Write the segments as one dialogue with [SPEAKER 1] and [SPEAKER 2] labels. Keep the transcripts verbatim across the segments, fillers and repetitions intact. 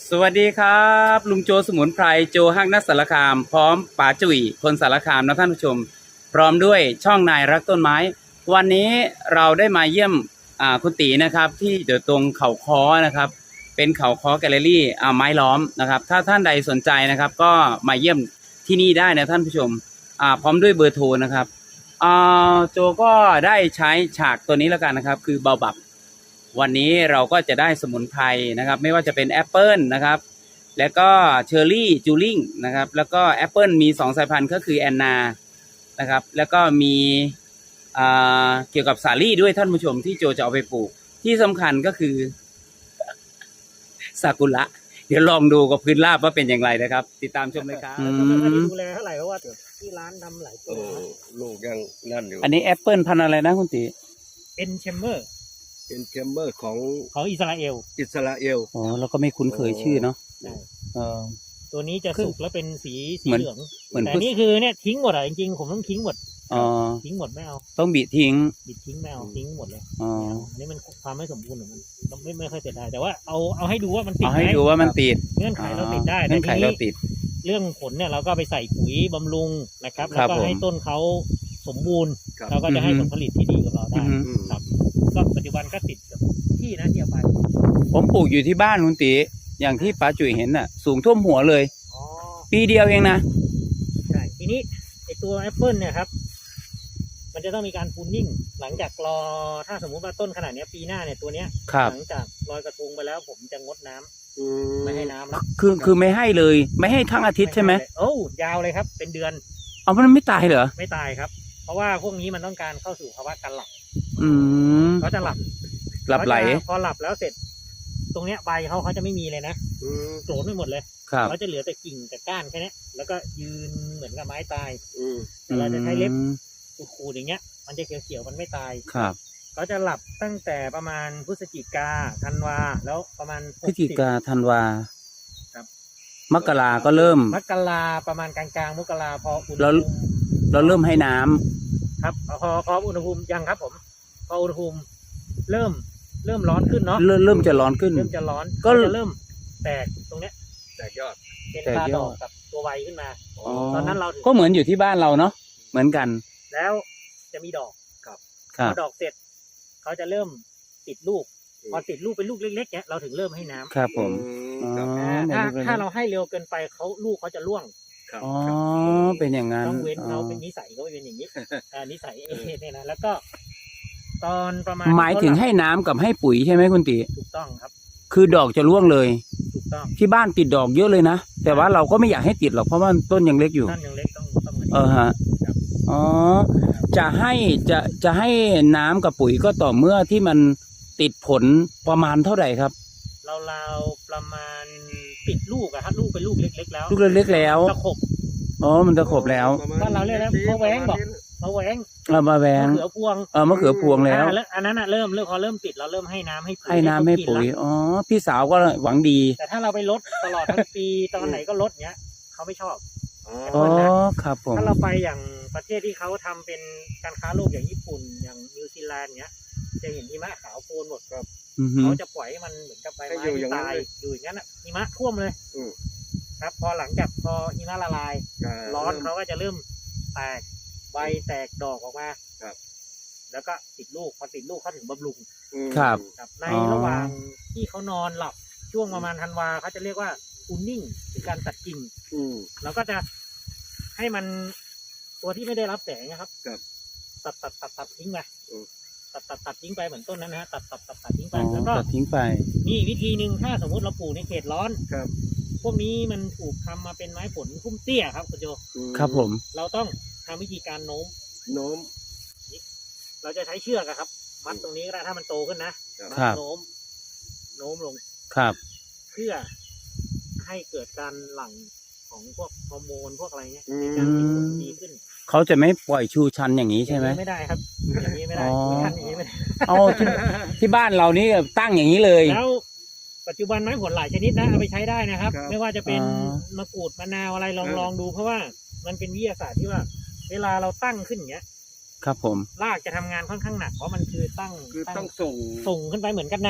[SPEAKER 1] สวัสดีครับลุงโจสมุนไพรโจฮักนักสารคามพร้อมป๋าจุ๋ยคนสารคามนะท่านผู้ชมพร้อมด้วยช่องนายรักต้นไม้วันนี้เราได้มาเยี่ยมอ่าคุณตีนะครับที่อยู่ตรงเขาค้อนะครับเป็นเขาค้อแกลเลอรี่อ่าไม้ล้อมนะครับถ้าท่านใดสนใจนะครับก็มาเยี่ยมที่นี่ได้นะท่านผู้ชมอ่าพร้อมด้วยเบอร์โทรนะครับอ่าโจก็ได้ใช้ฉากตัวนี้แล้วกันนะครับคือเบาบับวันนี้เราก็จะได้สมุนไพรนะครับไม่ว่าจะเป็นแอปเปิลนะครับแล้วก็เชอร์รี่จูริงนะครับแล้วก็แอปเปิลมีสองสายพันธุ์ก็คือแอนนานะครับแล้วก็มีอ่าเกี่ยวกับสาลี่ด้วยท่านผู้ชมที่โจจะเอาไปปลูกที่สำคัญก็คือซากุระเดี๋ยวลองดูกับพื้นราบว่าเป็นอย่างไรนะครับติดตามชมเลยครับ
[SPEAKER 2] แล้วก็ไม่ค่อยได้ดูแลเท่าไหร่เพราะว่าที่ร้านทำหลายตั
[SPEAKER 3] โอ้
[SPEAKER 2] ว
[SPEAKER 3] ลูกยังนั่นอยู่
[SPEAKER 1] อันนี้แอปเปิลพันธุ์อะไรนะคุณตี
[SPEAKER 2] เป็นแชมเบอร์
[SPEAKER 3] เป็นแชมเบอร์ของ
[SPEAKER 2] ของอิสราเอล
[SPEAKER 3] อิสราเอล
[SPEAKER 1] อ๋อเราก็ไม่คุ้นเคยชื่อเนาะ
[SPEAKER 2] ใช่
[SPEAKER 1] เออ
[SPEAKER 2] ตัวนี้จะสุกแล้วเป็นสีสี
[SPEAKER 1] เหมือน
[SPEAKER 2] เหลือง
[SPEAKER 1] เหมือน
[SPEAKER 2] แต่
[SPEAKER 1] พุท
[SPEAKER 2] นี่คือเนี่ยทิ้งหมดอ่ะจริงๆผมต้องทิ้งหมด
[SPEAKER 1] อ๋อ
[SPEAKER 2] ทิ้งหมดไม่เอา
[SPEAKER 1] ต้องบิทิ้ง
[SPEAKER 2] บิดทิ้งไม่เอาทิ้งหมดเลย
[SPEAKER 1] อ๋อ
[SPEAKER 2] ไม่เอาอันนี้มันความไม่สมบูรณ์ของมันเราไม่ไม่ค่อยเสร็จได้แต่ว่าเอาเอาให้ดูว่ามันติด
[SPEAKER 1] เอา
[SPEAKER 2] ไหม
[SPEAKER 1] ให้ดูว่ามันติด
[SPEAKER 2] เงื่อนไขเราติดได้
[SPEAKER 1] เงื่อนไข
[SPEAKER 2] แต่ที
[SPEAKER 1] เรา
[SPEAKER 2] นี้
[SPEAKER 1] ติด
[SPEAKER 2] เรื่องผลเนี่ยเราก็ไปใส่ปุ๋ยบำรุงนะครับ
[SPEAKER 1] ค
[SPEAKER 2] แล้
[SPEAKER 1] รั
[SPEAKER 2] ว
[SPEAKER 1] บ
[SPEAKER 2] ก็
[SPEAKER 1] ผม
[SPEAKER 2] ให้ต้นเขาสมบูรณ์
[SPEAKER 3] ครับ
[SPEAKER 2] เราก็จะให้
[SPEAKER 1] อื
[SPEAKER 2] ผ
[SPEAKER 1] อฮึ
[SPEAKER 2] ลผลิตที่ดีกับเรา
[SPEAKER 1] อื
[SPEAKER 2] ได้
[SPEAKER 1] อฮึ
[SPEAKER 3] อืม
[SPEAKER 2] ครับก็ปัจจุบันก็ติดกับที่นะที่เอาไป
[SPEAKER 1] ผมปลูกอยู่ที่บ้านคุณตีอย่างที่ป้าจุ๋ยเห็นน่ะ สูงท่วมหัวเลย
[SPEAKER 2] อ๋อ
[SPEAKER 1] ปีเดียวเองนะ
[SPEAKER 2] ใช่ทีนี้ไอตัวแอปเปิลเนี่ยครับ มันจะต้องมีการพูนนิ่งหลังจากรอถ้าสมมุติว่าต้นขนาดเนี้ยปีหน้าเนี่ยตัวเนี้ย
[SPEAKER 1] ครับ
[SPEAKER 2] หลังจากลอยกระทงไปแล้วผมจะงดน้ำ
[SPEAKER 3] อื
[SPEAKER 2] ไม่ให้น้ำแล้ว
[SPEAKER 1] คือคือไม่ให้เลย ไม่ให้ทั้งอาทิตย์ใช่ไหม
[SPEAKER 2] เลยโอ้ยาวเลยครับ เป็นเดือน
[SPEAKER 1] เอามันไม่ตายเหรอ
[SPEAKER 2] ไม่ตายครับ เพราะว่าพวกนี้มันต้องการเข้าสู่ภาวะการหลับ
[SPEAKER 1] อืม
[SPEAKER 2] เขาจะหลับ
[SPEAKER 1] หลับไหล
[SPEAKER 2] เขาจะพอหลับแล้วเสร็จ ตรงเนี้ยใบเขาเขาจะไม่มีเลยนะ
[SPEAKER 3] อืม
[SPEAKER 2] โกรธไปหมดเลย
[SPEAKER 1] ครับ
[SPEAKER 2] เขาจะเหลือแต่กิ่งแต่ก้านแค่เนี้ยแล้วก็ยืนเหมือนกับไม้ตาย
[SPEAKER 3] อืม
[SPEAKER 2] แต่เราจะใช้เล็บ
[SPEAKER 1] อืม
[SPEAKER 2] ขูดๆอย่างเงี้ย มันจะเขียวๆมันไม่ตาย
[SPEAKER 1] ครับ
[SPEAKER 2] เขาจะหลับตั้งแต่ประมาณพฤศจิกาธันวาแล้วประมาณ
[SPEAKER 1] พฤศจิกาธันวา
[SPEAKER 2] ครับ
[SPEAKER 1] มกราก็เริ่ม
[SPEAKER 2] มกราประมาณกลางๆมกราพออุณห
[SPEAKER 1] แล้ว
[SPEAKER 2] ภูมิ
[SPEAKER 1] เราเริ่มให้น้ำ
[SPEAKER 2] ครับพอพออุณหภูมิยังครับ ผม พออุณหภูมิเริ่มเริ่มร้อนขึ้นเนาะ
[SPEAKER 1] เริ่มเริ่มจะร้อนขึ้น
[SPEAKER 2] เริ่มจะร้อน
[SPEAKER 1] ก็
[SPEAKER 2] ก็จะเริ่มแตกตรงเนี้ย
[SPEAKER 3] แตกยอด
[SPEAKER 2] เป็น
[SPEAKER 1] แตก
[SPEAKER 2] ตาย
[SPEAKER 1] อด
[SPEAKER 2] ดอกกับตัวใบขึ้นมา
[SPEAKER 1] อ๋อ
[SPEAKER 2] ตอนนั้นเราถึง
[SPEAKER 1] ก็เหมือนอยู่ที่บ้านเราเนาะเหมือนกัน
[SPEAKER 2] แล้วจะมีดอก
[SPEAKER 1] ครั
[SPEAKER 2] พ
[SPEAKER 1] บ
[SPEAKER 2] อดอกเสร็จเขาจะเริ่มติดลูก พอติดลูกเป็นลูกเล็กๆเนี้ยเราถึงเริ่มให้น้ำ
[SPEAKER 1] ครับผม
[SPEAKER 3] อื
[SPEAKER 1] อ๋อ
[SPEAKER 3] มครับ
[SPEAKER 2] อ่าถ้า
[SPEAKER 1] เป็นลูกเล็กๆ
[SPEAKER 2] ถ้าเราให้เร็วเกินไปเขาลูกเขาจะร่วง
[SPEAKER 3] ครับ
[SPEAKER 1] อ๋อ
[SPEAKER 3] ครับ
[SPEAKER 1] เป็นอย่างนั้น
[SPEAKER 2] ต้องเว้น
[SPEAKER 1] อ๋อ
[SPEAKER 2] เราเป็นนิสัยเขาเป็นอย่างนี้ อ่านิสัยเอเนี่ยนะแล้วก็ ตอนประมาณ
[SPEAKER 1] หมายถึงให้น้ำกับให้ปุ๋ยใช่ไหมคุณติ
[SPEAKER 2] ถูกต้องครับ
[SPEAKER 1] คือดอกจะร่วงเลย
[SPEAKER 2] ถูกต้อง
[SPEAKER 1] ที่บ้านติดดอกเยอะเลยนะ แต่ว่าเราก็ไม่อยากให้ติดหรอกเพราะว่าต้นยังเล็กอยู่
[SPEAKER 2] ท่านยังเล็กต้องต้องเหมือน
[SPEAKER 1] เออฮะ
[SPEAKER 2] ครับ
[SPEAKER 1] อ๋อ จะให้จะจะให้น้ำกับปุ๋ยก็ต่อเมื่อที่มันติดผลประมาณเท่าไหร่ครับ
[SPEAKER 2] เราเราๆประมาณปิดลูกอะครับลูกเป็นลูกเล็กๆแล้ว
[SPEAKER 1] ลูกเล็กๆแล้ว
[SPEAKER 2] ตะขบ
[SPEAKER 1] อ๋อ มันจะขบแล้ว
[SPEAKER 3] ประมณ
[SPEAKER 2] บ้านเราเรียกอะไร
[SPEAKER 3] นี้
[SPEAKER 2] มะแว้งบอก
[SPEAKER 3] ประมาณนี้
[SPEAKER 2] มะแหวง
[SPEAKER 1] เอามาแวง
[SPEAKER 2] มะเขือพวง
[SPEAKER 1] เออมะเขือพวงแล้ว
[SPEAKER 2] อ่าอันนั้นอะเริ่มเริ่มพอเริ่มติดเราเริ่มให้น้ำให้ปุ๋ย
[SPEAKER 1] ให้น้ำให้
[SPEAKER 2] เขากิ
[SPEAKER 1] ปุ๋ย
[SPEAKER 2] ละ
[SPEAKER 1] อ๋อ พี่สาวก็หวังดี
[SPEAKER 2] แต่ถ้าเราไปลดตลอดทั้งปี ตอนไหนก็ลดเนี้ยเขาไม่ชอบ
[SPEAKER 3] อ๋อ
[SPEAKER 1] อ๋อ ครับผม
[SPEAKER 2] ถ้าเราไปอย่างประเทศที่เขาทำเป็นการค้าโลกอย่างญี่ปุ่นอย่างนิวซีแลนด์เนี้ย จะเห็นหิมะขาวโพลนหมดครับ
[SPEAKER 1] อือฮึ
[SPEAKER 2] เขาจะปล่อยให้มันเหมือนกับใบ
[SPEAKER 3] ให้
[SPEAKER 2] ไม้
[SPEAKER 3] อยู่อ
[SPEAKER 2] ที่
[SPEAKER 3] ย่างนั้น
[SPEAKER 2] ตาย
[SPEAKER 3] เลย
[SPEAKER 2] อยู่อย่างนั้นอ่ะหิมะท่วมเลย
[SPEAKER 3] อืม
[SPEAKER 2] ครับ พอหลังจากพอหิมะละลาย
[SPEAKER 3] อ่า
[SPEAKER 2] ร้อนเขาก็จะเริ่มแตกใบแตกดอกออกมา
[SPEAKER 3] ครับ
[SPEAKER 2] แล้วก็ติดลูกพอติดลูกเขาถึงบำรุง
[SPEAKER 3] อืม
[SPEAKER 1] ครับ
[SPEAKER 2] ครับใน
[SPEAKER 1] อ๋อ
[SPEAKER 2] ระหว่างที่เขานอนหลับช่วงประมาณธันวาเขาจะเรียกว่าอูนนิ่งหรือการตัดกิ่ง
[SPEAKER 3] อืม
[SPEAKER 2] เราก็จะให้มันตัวที่ไม่ได้รับแสงนะครับ
[SPEAKER 3] ครับ
[SPEAKER 2] ตัดตัดตัดตัดทิ้งไป
[SPEAKER 3] อืม
[SPEAKER 2] ตัดตัดตัดทิ้งไปเหมือนต้นนั้นนะฮะตัดตัดตัดตัดทิ้งไป
[SPEAKER 1] อ๋อ
[SPEAKER 2] แล้วก็
[SPEAKER 1] ตัดทิ้งไป
[SPEAKER 2] มีอีกวิธีหนึ่งถ้าสมมติเราปลูกในเขตร้อน
[SPEAKER 3] ครับ
[SPEAKER 2] พวกนี้มันถูกทำมาเป็นไม้ผลพุ่มเตี้ยครับคุณโจ
[SPEAKER 3] อืม
[SPEAKER 1] ครับผม
[SPEAKER 2] เราต้องทำวิธีการโน้ม
[SPEAKER 3] โน้ม
[SPEAKER 2] เราจะใช้เชือกอะครับ มัดตรงนี้ก็ได้ถ้ามันโตขึ้นนะครับ มัดโน้ม โน้มลง
[SPEAKER 1] ครับ
[SPEAKER 2] เพื่อให้เกิดการหลั่งของพวกฮอร์โมนพวกอะไรเงี้ย
[SPEAKER 3] อื
[SPEAKER 2] ใน
[SPEAKER 3] ม
[SPEAKER 2] การติดผลดีขึ้น
[SPEAKER 1] เขาจะไม่ปล่อยชูชันอย่างนี้ใช่ไหม
[SPEAKER 2] อย่างนี้ไม่ได้ครับ อย่างนี้ไม่ได้
[SPEAKER 1] อ๋อ
[SPEAKER 2] ไม่ทันอย่างนี้ไม่ได้
[SPEAKER 1] เอาที่ที่บ้านเรานี่ตั้งอย่างนี้เลย
[SPEAKER 2] แล้วปัจจุบันไม้ผลหลายชนิดนะเอาไปใช้ได้นะครับ
[SPEAKER 3] ครับ
[SPEAKER 2] ไม่ว่าจะเป็น
[SPEAKER 1] อ๋อ
[SPEAKER 2] มะกรูดมะนาวอะไรลอง
[SPEAKER 3] เออ
[SPEAKER 2] ลองดู เพราะว่ามันเป็นวิทยาศาสตร์ที่ว่า เวลาเราตั้งขึ้นอย่างเงี้ย
[SPEAKER 1] ครับผม
[SPEAKER 2] รากจะทำงานค่อนข้างหนักเพราะมันคือตั้ง
[SPEAKER 3] คือ
[SPEAKER 2] ตั้
[SPEAKER 3] ต้องส่ง
[SPEAKER 2] ส่งขึ้นไปเหมือนกับน้ำอ่ะ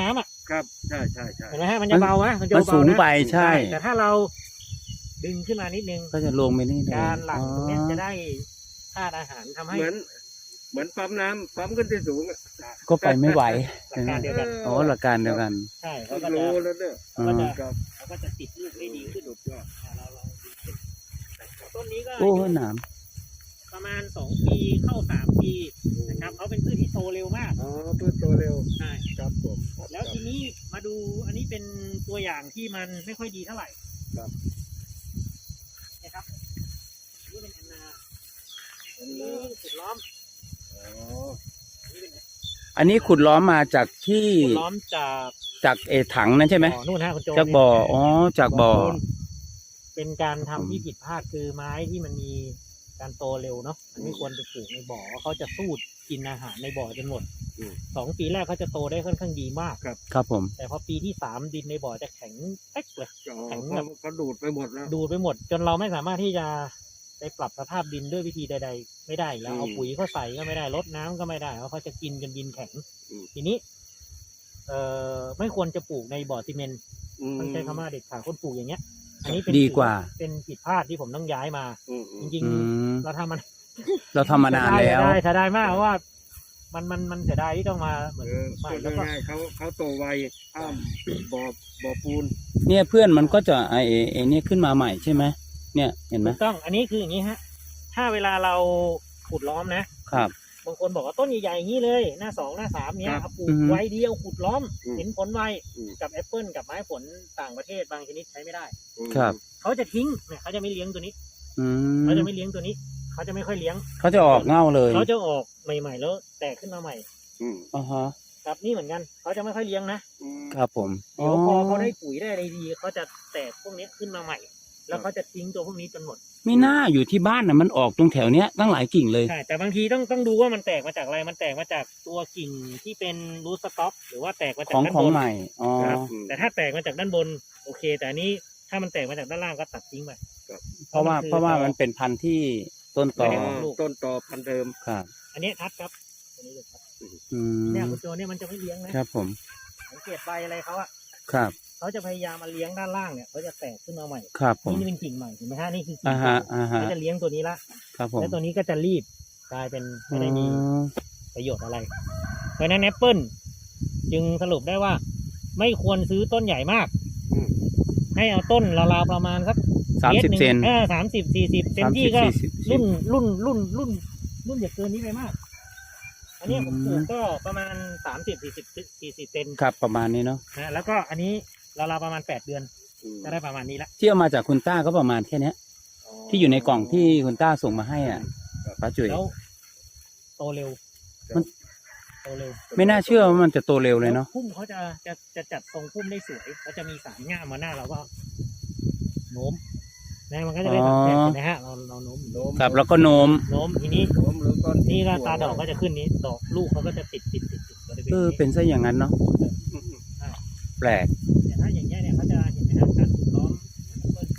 [SPEAKER 3] ครับใช่ใช่ใช่
[SPEAKER 2] เห็นไหมฮะมันจะเบานะมันจะ
[SPEAKER 1] มัน
[SPEAKER 2] เบา
[SPEAKER 1] สูง
[SPEAKER 2] นะ
[SPEAKER 1] ไปใช่
[SPEAKER 2] แต่ถ้าเราดึงขึ้นมานิดนึง
[SPEAKER 1] ก็จะลงไปนี่เลย
[SPEAKER 2] การหลั่งตรงเนี้ย
[SPEAKER 1] อ๋อ
[SPEAKER 2] จะได้ธาตุอาหารทำให้
[SPEAKER 3] เหมือน เหมือนปั๊มน้ำปั๊มขึ้นที่สูงอะ
[SPEAKER 1] ก็ไปไม่ไหว
[SPEAKER 2] หลักการเดียวกัน
[SPEAKER 1] อ๋อหลักการเดียวกัน
[SPEAKER 2] ใช่เขาก็
[SPEAKER 3] โล
[SPEAKER 2] จะ
[SPEAKER 3] แล้วเนี่ย
[SPEAKER 2] เขาก็จะ
[SPEAKER 3] ครับ
[SPEAKER 2] เขาก็จะติดลูกได้ดีขึ้น
[SPEAKER 3] สุดยอด
[SPEAKER 2] อ่าเราลองดูสิต้นนี้ก็
[SPEAKER 1] โอ้
[SPEAKER 2] อายุ
[SPEAKER 1] หนาม
[SPEAKER 2] ประมาณสองปีเข้าสามปีนะครับเขาเป็นพืชที่โตเร็วมาก
[SPEAKER 3] อ๋อเพื่อโตเร็ว
[SPEAKER 2] ใช่
[SPEAKER 3] ครับผม
[SPEAKER 2] แล้วทีนี้มาดูอันนี้เป็นตัวอย่างที่มันไม่ค่อยดีเท่าไหร่
[SPEAKER 3] ครับ
[SPEAKER 2] นะครับนี่เป็นแอนนาอันนี้ขุดล้อม
[SPEAKER 3] อ๋อ
[SPEAKER 2] อันนี้เป็น
[SPEAKER 1] อันนี้ขุดล้อมมาจากที่
[SPEAKER 2] ขุดล้อมจาก
[SPEAKER 1] จากเอถังนั่นใช่ไหม
[SPEAKER 2] บ่อนู่นฮะคุณโจ
[SPEAKER 1] จากบ่ออ๋อจากบ่อ
[SPEAKER 2] เป็นการทำที่ผิดพลาดคือไม้ที่มันมีการโตเร็วเนาะมันไม่ควรไปปลูกในบ่อเพราะเขาจะสูดกินอาหารในบ่อจนหมดสองปีแรกเขาจะโตได้ค่อนข้างดีมาก
[SPEAKER 1] ครับผม
[SPEAKER 2] แต่พอปีที่สามดินในบ่อจะแข็งเป๊กเลย
[SPEAKER 3] อ๋อ
[SPEAKER 2] แข็ง
[SPEAKER 3] เขา
[SPEAKER 2] แบบ
[SPEAKER 3] เขาดูดไปหมดแล้ว
[SPEAKER 2] ดูดไปหมด จนเราไม่สามารถที่จะไปปรับสภาพดินด้วยวิธีใด ๆ ไม่ได้แล้วเอา
[SPEAKER 3] อืม
[SPEAKER 2] ปุ๋ยเขาใส่ก็ไม่ได้รดน้ำก็ไม่ได้เพราะเขาจะกินจนดินแข็ง
[SPEAKER 3] อืม
[SPEAKER 2] ทีนี้ เอ่อไม่ควรจะปลูกในบ่อซีเมนต์
[SPEAKER 3] อืม
[SPEAKER 2] ต้องใช้คำว่าเด็ดขาดคนปลูกอย่างเงี้ย อันนี้เป็น
[SPEAKER 1] ดีกว่า
[SPEAKER 2] เป็นผิดพลาดที่ผมต้องย้ายมา
[SPEAKER 3] อืมอื
[SPEAKER 2] จ
[SPEAKER 3] ม
[SPEAKER 2] ริง
[SPEAKER 1] อืม
[SPEAKER 2] ๆ เราทำมัน
[SPEAKER 1] เราทำมานานแล้ว
[SPEAKER 2] ได้เสียดายมากเพราะว่า มันมันมันเสียดายที่ต้องมาเหมือน
[SPEAKER 3] เออ
[SPEAKER 2] ใหม่
[SPEAKER 3] พูด
[SPEAKER 2] แล้วก็
[SPEAKER 3] ง่ายๆเขาเขาโตไวอ้ามบ่อบ่อปูน
[SPEAKER 1] เนี่ยเพื่อนมันก็จะไอเอไอเนี่ยขึ้นมาใหม่ใช่ไหมเนี่ยเห็นไหม
[SPEAKER 2] ถูกต้อง อันนี้คืออย่างนี้ฮะ ถ้าเวลาเราขุดล้อมนะครับ บางคนบอกว่าต้นใหญ่ๆอย่างนี้เลย หน้าสองหน้าสามเนี้ย
[SPEAKER 3] ครับ
[SPEAKER 2] เอาปลู
[SPEAKER 1] อื
[SPEAKER 2] ก
[SPEAKER 1] อฮึ
[SPEAKER 2] ไว้เดียวขุดล้อม
[SPEAKER 3] อืม
[SPEAKER 2] เห็นผลไว
[SPEAKER 3] อืม
[SPEAKER 2] กับแอปเปิลกับไม้ผลต่างประเทศบางชนิดใช้ไม่ได้
[SPEAKER 1] ครับ
[SPEAKER 2] เขาจะทิ้งเนี่ยเขาจะไม่เลี้ยงตัวนี้
[SPEAKER 1] อื
[SPEAKER 2] เขา
[SPEAKER 1] ม
[SPEAKER 2] จะไม่เลี้ยงตัวนี้ เขาจะไม่ค่อยเลี้ยง
[SPEAKER 1] เขาจะออกเง่าเลย
[SPEAKER 2] เขาจะออกใหม่ๆแล้วแตกขึ้นมาใหม่
[SPEAKER 3] อืม
[SPEAKER 1] อ่าฮะ
[SPEAKER 2] ครับนี่เหมือนกัน เขาจะไม่ค่อยเลี้ยงนะ
[SPEAKER 3] อืม
[SPEAKER 1] ครับผม
[SPEAKER 2] เดี๋ยวพอเขาได้ปุ๋ยได้อะไรดีเขาจะแตกพวกนี้ขึ้นมาใหม่ แล้วเขาจะทิ้งตัวพวกนี้จนหมด
[SPEAKER 1] มีหน้าอยู่ที่บ้านน่ะมันออกตรงแถวเนี้ยตั้งหลายกิ่งเลย
[SPEAKER 2] ใช่ แต่บางทีต้องต้องดูว่ามันแตกมาจากอะไร มันแตกมาจากตัวกิ่งที่เป็นรูทสต็อก หรือว่าแตกมาจา
[SPEAKER 1] ข
[SPEAKER 2] ก
[SPEAKER 1] อง
[SPEAKER 2] ด้าน
[SPEAKER 1] ของ
[SPEAKER 2] บน
[SPEAKER 1] ใหม่อ๋อ
[SPEAKER 2] ครับแต่ถ้าแตกมาจากด้านบนโอเค แต่อันนี้ถ้ามันแตกมาจากด้านล่างก็ตัดทิ้งไป
[SPEAKER 1] เพราะว่า
[SPEAKER 2] คือ
[SPEAKER 1] เพราะว่ามันเป็นพันธุ์ที่ต้นต
[SPEAKER 2] ไม่
[SPEAKER 1] อ
[SPEAKER 2] ได้ออกลูก
[SPEAKER 3] ต้นต่อพันธุ์เดิม
[SPEAKER 1] ครับ
[SPEAKER 2] อันนี้ทัดครับอันนี้เลยครับ
[SPEAKER 1] อืม
[SPEAKER 2] เนี่ยคุณโจเนี่ยมันจะไม่เลี้ยงนะครับ
[SPEAKER 1] ผม
[SPEAKER 2] สังเกตใบอะไรเขาอะ
[SPEAKER 1] ครับ
[SPEAKER 2] เขาจะพยายามมาเลี้ยงด้านล่างเนี่ยเขาจะแตกขึ้นมาใหม่
[SPEAKER 1] ครับผม
[SPEAKER 2] นี่เป็นกิ่งใหม่เห็นไหมฮะนี่คือกิ่
[SPEAKER 1] อ่าง ฮะ
[SPEAKER 2] เก่า
[SPEAKER 1] อ่าฮะ
[SPEAKER 2] เขาจะเลี้ยงตัวนี้ละ
[SPEAKER 1] ครับผม
[SPEAKER 2] แล้วตัวนี้ก็จะรีบกลายเป็นไม่ได้มี
[SPEAKER 1] อ๋อ
[SPEAKER 2] ประโยชน์อะไร เพราะฉะนั้นแอปเปิลจึงสรุปได้ว่า ไม่ควรซื้อต้นใหญ่มาก
[SPEAKER 3] อืม
[SPEAKER 2] ให้เอาต้นราวๆประมาณสัก
[SPEAKER 1] สามสิบ
[SPEAKER 2] มตรหง
[SPEAKER 1] เซน
[SPEAKER 2] เออสามสิบสี่สิบเต็ม
[SPEAKER 1] สาม
[SPEAKER 2] ที่
[SPEAKER 1] สิบ
[SPEAKER 2] ก็
[SPEAKER 1] สี่สิบ
[SPEAKER 2] รุ่นรุ่นรุ่นรุ่นรุ่นอย่าเกินนี้ไปมาก อันนี้ผมปลู
[SPEAKER 1] อื
[SPEAKER 2] ก
[SPEAKER 1] ม
[SPEAKER 2] ก็ประมาณสามสิบสี่สิบสี่สิบเซน
[SPEAKER 1] ครับประมาณนี้เนาะ
[SPEAKER 2] นะแล้วก็อันนี้ราวๆประมาณแปดเดือน
[SPEAKER 3] อืม
[SPEAKER 2] ก็ได้ประมาณนี้ละ
[SPEAKER 1] ที่เอามาจากคุณต้าก็ประมาณแค่เนี้ย ที่อยู่ในกล่องที่คุณต้าส่งมาให้อ่ะป้าจุ๋ย
[SPEAKER 2] แล้วโตเร็ว
[SPEAKER 1] มัน
[SPEAKER 2] โตเร็ว
[SPEAKER 1] ไม่น่าเชื่อว่ามันจะโตเร็วเลยเนาะ
[SPEAKER 2] พุ่มเขาจะจะจะจัดทรงพุ่มได้สวยเขาจะมีสามง่ามมาหน้าเราก็โน้มนะมันก็จะได้แบบเห็นไหมฮะเราเราโน้ม
[SPEAKER 3] โน้ม
[SPEAKER 1] ครับแล้วก็โน้ม
[SPEAKER 2] โน้มทีนี้
[SPEAKER 3] โน้มหรือก้อน
[SPEAKER 2] นี่ก็ตาดอกก็จะขึ้นนี้ดอกลูกเขาก็จะติดติดติดติดบริเวณ
[SPEAKER 1] เออ
[SPEAKER 2] นี้
[SPEAKER 1] เป็นซะอย่างนั้นเนาะ
[SPEAKER 3] อืม
[SPEAKER 1] แปลก
[SPEAKER 2] แต่ถ้าอย่างเงี้ยเนี่ยเขาจะเห็นไหมครับการถูกล้อมเปิ้ล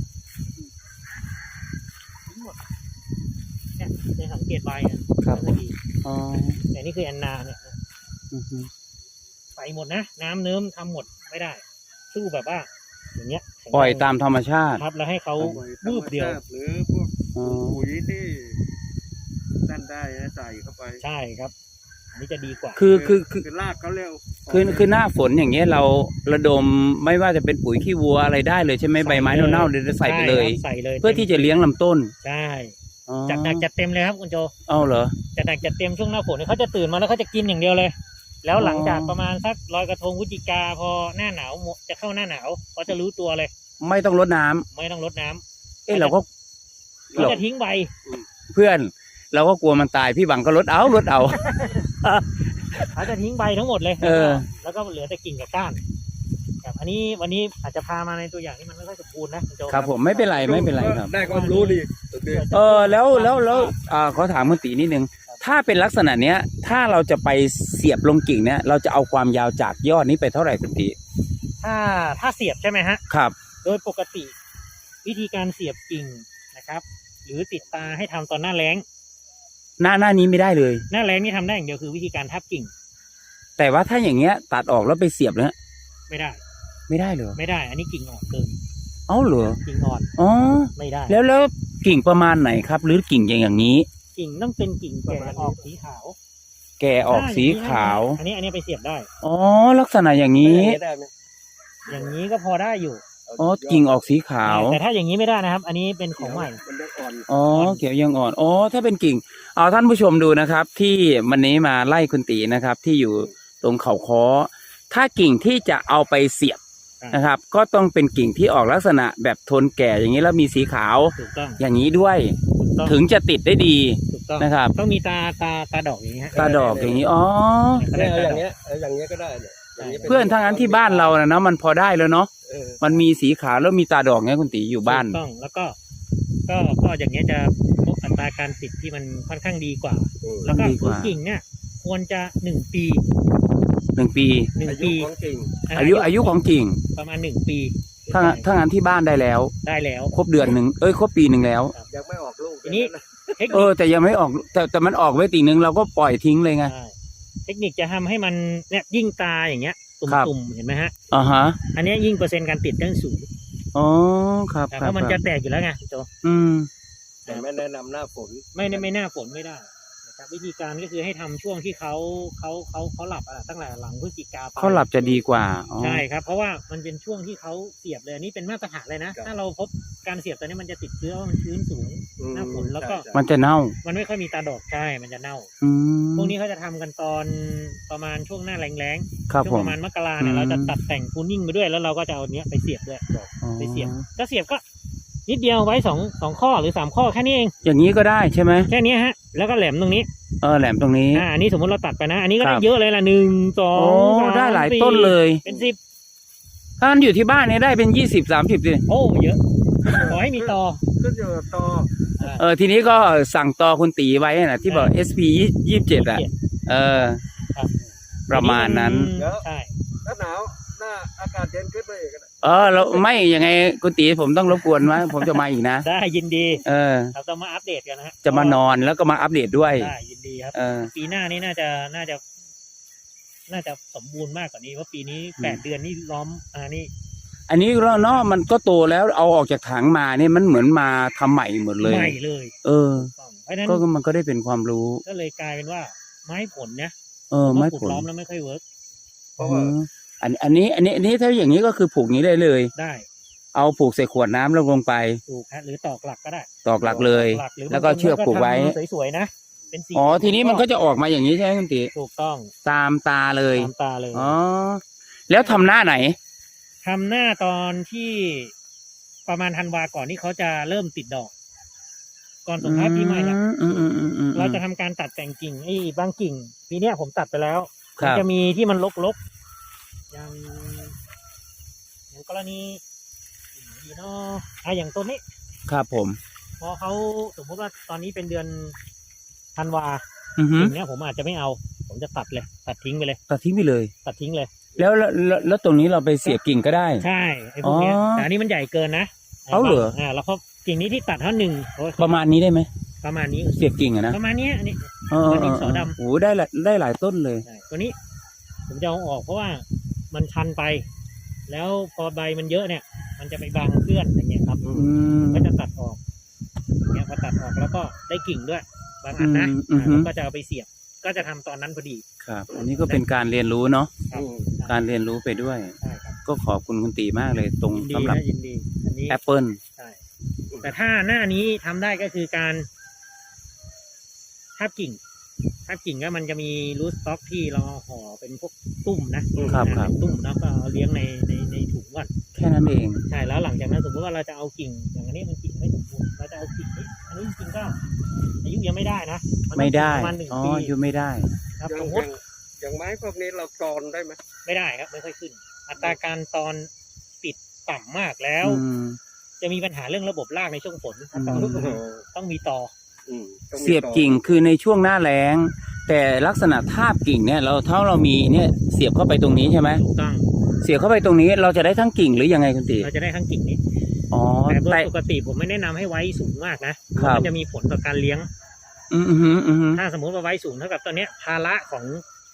[SPEAKER 2] ทั้งหมดเนี่ยในสังเกตใบเนี่ย
[SPEAKER 1] ครับ
[SPEAKER 2] ก็ดี
[SPEAKER 1] อ๋อ
[SPEAKER 2] แต่นี่คือแอนนาเนี่ย
[SPEAKER 1] อือฮึ
[SPEAKER 2] ใส่หมดนะ น้ำเนิ้มทำหมดไม่ได้ สู้แบบว่า อย่างเงี้ย
[SPEAKER 1] ปล่อยตามธรรมชาติ
[SPEAKER 2] ครับแล้วให้เขา
[SPEAKER 3] ไว้
[SPEAKER 2] บูบเดียว
[SPEAKER 3] ธรรมชาติหรือพวก
[SPEAKER 1] อ๋อ
[SPEAKER 3] ปุ๋ยที่นั่นได้นะใส่เข้าไป
[SPEAKER 2] ใช่ครับ อันนี้จะดีกว่า
[SPEAKER 1] คือคือคือ
[SPEAKER 3] คือรากเขาเร็ว
[SPEAKER 1] คือคือหน้าฝนอย่างเงี้ยเราระดมไม่ว่าจะเป็นปุ๋ยขี้วัวอะไรได้เลยใช่ไหมใบไม้เน่าๆเดี๋ยวใส่ไปเลย
[SPEAKER 2] ใช่ครับใส่เลย
[SPEAKER 1] เพื่อที่จะเลี้ยงลำต้น
[SPEAKER 2] ใช่
[SPEAKER 1] อ๋อ
[SPEAKER 2] จัดหนักจัดเต็มเลยครับคุณโจ
[SPEAKER 1] เอาเหรอ
[SPEAKER 2] จัดหนักจัดเต็มช่วงหน้าฝนเนี่ยเขาจะตื่นมาแล้วเขาจะกินอย่างเดียวเลย แล้วหลังจากประมาณสักลอยกระทงพฤศจิกาพอหน้าหนาวหมดจะเข้าหน้าหนาวเขาจะรู้ตัวเลย
[SPEAKER 1] ไม่ต้องรดน้ำ
[SPEAKER 2] ไม่ต้องรดน้ำ
[SPEAKER 1] เอ้เราก็
[SPEAKER 2] เขาจะทิ้งใบ
[SPEAKER 1] เพื่อน เราก็กลัวมันตายพี่บังก็รดเอารดเอา
[SPEAKER 2] เขาจะทิ้งใบทั้งหมดเลย
[SPEAKER 1] เออ
[SPEAKER 2] แล้วก็เหลือแต่กิ่งกับก้านครับอันนี้วันนี้อาจจะพามาในตัวอย่างที่มันไม่ค่อยสมบูรณ์นะคุณโจ
[SPEAKER 1] ครับผมไม่เป็นไรไม่เป็นไรครับ
[SPEAKER 3] ได้ความรู้ดีโอเค
[SPEAKER 1] เออแล้วแล้วแล้วอ่าขอถามคุณตีนิดนึง ถ้าเป็นลักษณะเนี้ย ถ้าเราจะไปเสียบลงกิ่งเนี้ยเราจะเอาความยาวจากยอดนี้ไปเท่าไหร่คุณตี
[SPEAKER 2] ถ้าถ้าเสียบใช่ไหมฮะ
[SPEAKER 1] ครับ
[SPEAKER 2] โดยปกติ วิธีการเสียบกิ่งนะครับ หรือติดตาให้ทำตอนหน้าแล้ง
[SPEAKER 1] หน้าหน้านี้ไม่ได้เลย
[SPEAKER 2] หน้าแล้งนี่ทำได้อย่างเดียวคือวิธีการทับกิ่ง
[SPEAKER 1] แต่ว่าถ้าอย่างเงี้ยตัดออกแล้วไปเสียบแล้ว
[SPEAKER 2] ไม่ได้
[SPEAKER 1] ไม่ได้เหรอ
[SPEAKER 2] ไม่ได้ อันนี้กิ่งอ่อนเกิน
[SPEAKER 1] เอ้าเหรอ
[SPEAKER 2] กิ่งอ่อน
[SPEAKER 1] อ๋อ
[SPEAKER 2] ไม่ได้
[SPEAKER 1] แล้วแล้วกิ่งประมาณไหนครับ หรือกิ่งอย่างอย่างนี้
[SPEAKER 2] กิ่งต้องเป็นกิ่งแก่ออกสีขาว
[SPEAKER 1] แก่ออกสีขาว
[SPEAKER 2] อันนี้อันนี้ไปเสียบได้
[SPEAKER 1] อ๋อลักษณะอย่างนี้
[SPEAKER 3] ได้ไหม
[SPEAKER 2] อย่างนี้ก็พอได้อยู่
[SPEAKER 1] อ๋อกิ่งออกสีขาว
[SPEAKER 2] แต่ถ้าอย่างนี้ไม่ได้นะครับ อันนี้เป็นของใหม่
[SPEAKER 3] มันยังอ่อน
[SPEAKER 1] อ๋อเขียวยังอ่อนอ๋อถ้าเป็นกิ่งเอาท่านผู้ชมดูนะครับ ที่วันนี้มาไล่คุณตีนะครับ ที่อยู่ตรงเขาค้อถ้ากิ่งที่จะเอาไปเสียบ
[SPEAKER 2] อ่าน
[SPEAKER 1] นะครับ ก็ต้องเป็นกิ่งที่ออกลักษณะแบบทนแก่อย่างนี้แล้วมีสีขาว
[SPEAKER 2] ถูกต้อง
[SPEAKER 1] อย่างนี้ด้วย
[SPEAKER 2] ถูกต้อง
[SPEAKER 1] ถึงจะติดได้ดี
[SPEAKER 2] ถูกต้อง
[SPEAKER 1] นะครับ
[SPEAKER 2] ต้องมีตาตาตาดอกอย่างนี้ฮะ
[SPEAKER 1] ตาดอกอย่างนี้อ๋อ
[SPEAKER 3] เนี่ยเอาอย่างเงี้ยเอาอย่างเงี้ยก็ได้เนี่ยย่างงี้
[SPEAKER 1] เพื่อนทั้งนั้นที่บ้านเรานะเนาะมันพอได้แล้วเนาะ
[SPEAKER 3] เออ
[SPEAKER 1] มันมีสีขาวแล้วมีตาดอกเงี้ยคุณตีอยู่บ้าน
[SPEAKER 2] ถูกต้องแล้วก็ ก็ก็อย่างเงี้ยจะพบอัตราการติดที่มันค่อนข้างดีกว่า
[SPEAKER 3] อืม
[SPEAKER 2] แล้วก็
[SPEAKER 1] ดีก
[SPEAKER 2] คือ
[SPEAKER 1] ว่า
[SPEAKER 2] กิ่งเนี่ยควรจะหนึ่งปี
[SPEAKER 1] หนึ่งปี
[SPEAKER 2] หนึ่ง
[SPEAKER 3] อายุ
[SPEAKER 2] ปี
[SPEAKER 3] ของกิ่ง
[SPEAKER 1] อายุอายุของกิ่ง
[SPEAKER 2] ประมาณหนึ่งปี
[SPEAKER 1] ถ้าถ้างั้นที่บ้านได้แล้ว
[SPEAKER 2] ได้แล้ว
[SPEAKER 1] ครบเดือนหนึ่งเอ้ยครบปีหนึ่งแล้ว
[SPEAKER 3] ยังไม่ออกลูก
[SPEAKER 2] ทีนี้ เทค
[SPEAKER 1] เอ
[SPEAKER 2] นิ
[SPEAKER 1] อ
[SPEAKER 2] ค
[SPEAKER 1] แต่ยังไม่ออกแต่แต่มันออกไว้ตีหนึ่งเราก็ปล่อยทิ้งเลยไง
[SPEAKER 2] ใช่เทคนิคจะทำให้มันเนี่ยยิ่งตาอย่างเงี้ย ตุ
[SPEAKER 1] ครับ
[SPEAKER 2] ่มๆเห็นไหมฮะ
[SPEAKER 1] อ่าฮะ
[SPEAKER 2] อันเนี้ยยิ่งเปอร์เซ็นต์การติดตั้งสูง
[SPEAKER 1] อ๋อครับ
[SPEAKER 2] แต่
[SPEAKER 1] ค
[SPEAKER 2] เพ
[SPEAKER 1] รับ
[SPEAKER 2] ราะมัน
[SPEAKER 1] ค
[SPEAKER 2] จะ
[SPEAKER 1] รับ
[SPEAKER 2] แตกอยู่แล้วไงพี่โจ
[SPEAKER 1] อืม
[SPEAKER 3] แต่ไม่แนะนำหน้าฝน
[SPEAKER 2] ไม่ไม่ไม่หน้าฝนไม่ได้นะครับวิธีการก็คือให้ทำช่วงที่เขาเขาเขาเขาหลับอ่ะตั้งแต่หลังพฤศจิกาไป
[SPEAKER 1] เขาหลับจะดีกว่าอ๋อ
[SPEAKER 2] ใช่ครับ เพราะว่ามันเป็นช่วงที่เขาเสียบเลยอันนี้เป็นมาตรฐานเลยนะ ถ้าเราพบการเสียบตอนนี้มันจะติดเชื้อว่ามันชื้นสูง
[SPEAKER 3] อืม
[SPEAKER 2] หน้าฝนแล้วก็
[SPEAKER 3] ใช่
[SPEAKER 1] มันจะเน่า
[SPEAKER 2] มันไม่ค่อยมีตาดอกใช่มันจะเน่า
[SPEAKER 1] อืม
[SPEAKER 2] พวกนี้เขาจะทำกันตอนประมาณช่วงหน้าแรง
[SPEAKER 1] ครับ
[SPEAKER 2] ๆช่
[SPEAKER 1] ผ
[SPEAKER 2] วง
[SPEAKER 1] ม
[SPEAKER 2] ประมาณมกราเนี่ย
[SPEAKER 1] อืม
[SPEAKER 2] เราจะตัดแต่งคูนิ่งไปด้วยแล้วเราก็จะเอาเนี้ยไปเสียบด้วย
[SPEAKER 1] อ๋อ
[SPEAKER 2] ไปเสียบก็เสียบก็นิดเดียวไว้สองสองข้อหรือสามข้อแค่นี้เอง
[SPEAKER 1] อย่างนี้ก็ได้ใช่ไหม
[SPEAKER 2] แค่นี้ฮะแล้วก็แหลมตรงนี้
[SPEAKER 1] เออแหลมตรงนี้
[SPEAKER 2] อ่าอันนี้สมมติเราตัดไปนะ อันนี้ก็
[SPEAKER 1] ครั
[SPEAKER 2] ได้
[SPEAKER 1] บ
[SPEAKER 2] เยอะเลยละหนึ่งสอ
[SPEAKER 1] โอ้
[SPEAKER 2] งสาม
[SPEAKER 1] ได้หลาย
[SPEAKER 2] สี่
[SPEAKER 1] ต้นเลย
[SPEAKER 2] เป็นสิบ
[SPEAKER 1] ถ้างั้นอยู่ที่บ้านเนี่ยได้เป็นยี่สิบสามสิบเลย
[SPEAKER 2] โอ้เยอะขอให้มีต่อ
[SPEAKER 3] ขึ้นอยู่กับตอ
[SPEAKER 1] เออทีนี้ก็สั่งต่อคุณตีไว้นะที่บอก เอส พี ยี่สิบเจ็ดอ่ะ เออ
[SPEAKER 2] ครับ
[SPEAKER 1] ประมาณนั้น
[SPEAKER 2] ใช่
[SPEAKER 3] ถ้าหนาวหน้าอากาศเย็นขึ้นไปอีกก็ได้
[SPEAKER 1] เออเราไม่ยังไงคุณตีผมต้องรบกวนว่าผมจะมาอีกนะ
[SPEAKER 2] ได้ยินดี
[SPEAKER 1] เออ
[SPEAKER 2] เราต้องมาอัปเดตกันนะฮะ
[SPEAKER 1] จะมานอนแล้วก็มาอัปเดตด้วย
[SPEAKER 2] ได้ยินดีครับ
[SPEAKER 1] เออ
[SPEAKER 2] ปีหน้านี้น่าจะน่าจะ น่าจะสมบูรณ์มากกว่านี้เพราะปีนี้แปดเดือนนี่ล้อมอ่านี่
[SPEAKER 1] อันนี้เราเนาะมันก็โตแล้วเอาออกจากถังมาเนี่ยมันเหมือนมาทำใหม่หมดเลย
[SPEAKER 2] ใหม่เลย
[SPEAKER 1] เออ
[SPEAKER 2] ต้องเพราะฉะนั้น
[SPEAKER 1] ก็มันก็ได้เป็นความรู้
[SPEAKER 2] ก็เลยกลายเป็นว่า ไม้ผลนะ
[SPEAKER 1] เออไม่
[SPEAKER 2] ปลูก
[SPEAKER 1] ผล
[SPEAKER 2] ล้อมแล้วไม่ค่อยเวิร์ก
[SPEAKER 3] เพราะว่า
[SPEAKER 1] อืมอันอันนี้ อันนี้อันนี้ถ้าอย่างนี้ก็คือผูกอย่างนี้ได้เลย
[SPEAKER 2] ได้
[SPEAKER 1] เอาผูกใส่ขวดน้ำแล้วลงไป
[SPEAKER 2] ปลูกฮะหรือตอกหลักก็ได้
[SPEAKER 1] ตอกหลักเลย
[SPEAKER 2] ตอกหลักหรื
[SPEAKER 1] แล้วก็เชือกผูกไว้
[SPEAKER 2] บางคนทำสวยๆนะเป็นสี
[SPEAKER 1] อ๋อทีนี้มันก็จะออกมาอย่างนี้ใช่ไหมคุณติ
[SPEAKER 2] ถูกต้อง
[SPEAKER 1] ตามตาเลย
[SPEAKER 2] ตามตาเลย
[SPEAKER 1] อ๋อแล้วทำหน้าไหน
[SPEAKER 2] ทำหน้าตอนที่ประมาณธันวาก่อนที่เขาจะเริ่มติดดอก ก่อนส่งท้ายปีใหม่เนี่ย
[SPEAKER 1] อืมอืมอืมอืม
[SPEAKER 2] เราจะทำการตัดแต่งกิ่งไอ้บางกิ่งปีเนี้ยผมตัดไปแล้ว
[SPEAKER 1] ค
[SPEAKER 2] มั
[SPEAKER 1] รับ
[SPEAKER 2] จะมีที่มันลกๆอย่างอย่างกรณีอย่างดีเนาะอ่ะอย่างต้นนี้
[SPEAKER 1] ครับผม
[SPEAKER 2] พอเขาสมมติว่าตอนนี้เป็นเดือนธันวา
[SPEAKER 1] อือฮึ
[SPEAKER 2] กิ่งเนี้ยผมอาจจะไม่เอา ผมจะตัดเลย ตัดทิ้งไปเลย
[SPEAKER 1] ตัดทิ้งไปเลย
[SPEAKER 2] ตัดทิ้งเลย
[SPEAKER 1] แล้วแล้วแล้วแล้วตรงนี้เราไปเสียบกิ่งก็ได้
[SPEAKER 2] ใช่ไอ้พวกเนี้ย
[SPEAKER 1] อ๋อ
[SPEAKER 2] แต่อันนี้มันใหญ่เกินนะ
[SPEAKER 1] เอาเหรอ
[SPEAKER 2] อ่าแล้วเขากิ่งนี้ที่ตัดเท่าหนึ่งโอ้ย
[SPEAKER 1] ประมาณนี้ได้ไหม
[SPEAKER 2] ประมาณนี้
[SPEAKER 1] เสียบกิ่งอะนะ
[SPEAKER 2] ประมาณเนี้ยอันนี้
[SPEAKER 1] เออเออ
[SPEAKER 2] ดิ
[SPEAKER 1] เอน
[SPEAKER 2] สอดำ
[SPEAKER 1] อโอ้โหได้หลายได้หลายต้นเลย
[SPEAKER 2] ใช่ตัวนี้ ผมจะเอาออกเพราะว่ามันชันไป แล้วพอใบมันเยอะเนี่ย มันจะไปบังเพื่อนอย่างเงี้ยครับ
[SPEAKER 1] อืม
[SPEAKER 2] ก็จะตัดออกอย่างเงี้ยพอตัดออกแล้วก็ได้กิ่งด้วย บางอันนะ
[SPEAKER 1] อืมอือฮึ
[SPEAKER 2] อ่าแล้วก็จะเอาไปเสียบ ก็จะทำตอนนั้นพอดี
[SPEAKER 1] ครับ อันนี้ก็เป็นการเรียนรู้เนาะ
[SPEAKER 2] ครับ
[SPEAKER 3] อืม
[SPEAKER 1] การเรียนรู้ไปด้วย
[SPEAKER 2] ใช่ครับ
[SPEAKER 1] ก็ขอบคุณคุณตีมากเลยตรง
[SPEAKER 2] ยินดี
[SPEAKER 1] สำหรับ
[SPEAKER 2] นะยินดี อันนี้
[SPEAKER 1] แอปเปิล
[SPEAKER 2] ใช่ แต่ถ้าหน้านี้ทำได้ก็คือการทาบกิ่งทาบกิ่งก็มันจะมีรูทสต็อกที่เราห่อเป็นพวกตุ้มนะครับ
[SPEAKER 1] ครับ
[SPEAKER 2] เป็นตุ้มแล้วก็เอาเลี้ยงในในในถุงก่อน
[SPEAKER 1] แค่นั้นเอง
[SPEAKER 2] ใช่แล้วหลังจากนั้นสมมติว่าเราจะเอากิ่งอย่างอันนี้มันกิ่งไม่สมบูรณ์เราจะเอากิ่งนี้อันนี้จริงๆก็อายุยังไม่ได้นะนต้อง
[SPEAKER 1] ไม่ได้
[SPEAKER 2] ประมาณหนึ่ง
[SPEAKER 1] อ๋อ
[SPEAKER 2] ปี
[SPEAKER 1] อยู่ไม่ได้
[SPEAKER 2] ครับ
[SPEAKER 3] อย่าง
[SPEAKER 2] สมม
[SPEAKER 3] อย่า
[SPEAKER 2] ติ
[SPEAKER 3] งอย่างไม้พวกนี้เรากรอนได้ไหม
[SPEAKER 2] ไม่ได้ครับไม่ค่อยขึ้น อัตราการตอนติดต่ำมากแล้ว
[SPEAKER 1] อืม
[SPEAKER 2] จะมีปัญหาเรื่องระบบรากในช่วงฝนถ้าต่อ
[SPEAKER 1] อืม
[SPEAKER 2] ต้องมีต่อ
[SPEAKER 3] อืมต้องมี
[SPEAKER 1] เสียบ
[SPEAKER 3] ตอ
[SPEAKER 1] กิ่งคือในช่วงหน้าแล้ง แต่ลักษณะทาบกิ่งเนี่ยเราถ้าเรามีเนี่ยเสียบเข้าไปตรงนี้ใช่ไหม
[SPEAKER 2] ถูกต้อง
[SPEAKER 1] เสียบเข้าไปตรงนี้เราจะได้ทั้งกิ่งหรือยังไงคุณตี
[SPEAKER 2] เราจะได้ทั้งกิ่งนี้
[SPEAKER 1] อ๋อ
[SPEAKER 2] แต่โดย
[SPEAKER 1] แต่
[SPEAKER 2] ปกติผมไม่แนะนำให้ไว้สูงมากนะครับ มันจะมีผลต่อการเลี้ยง
[SPEAKER 1] อืมอืมอืมอืม
[SPEAKER 2] ถ้าสมมติว่าไว้สูงเท่ากับตอนเนี้ยภาระของ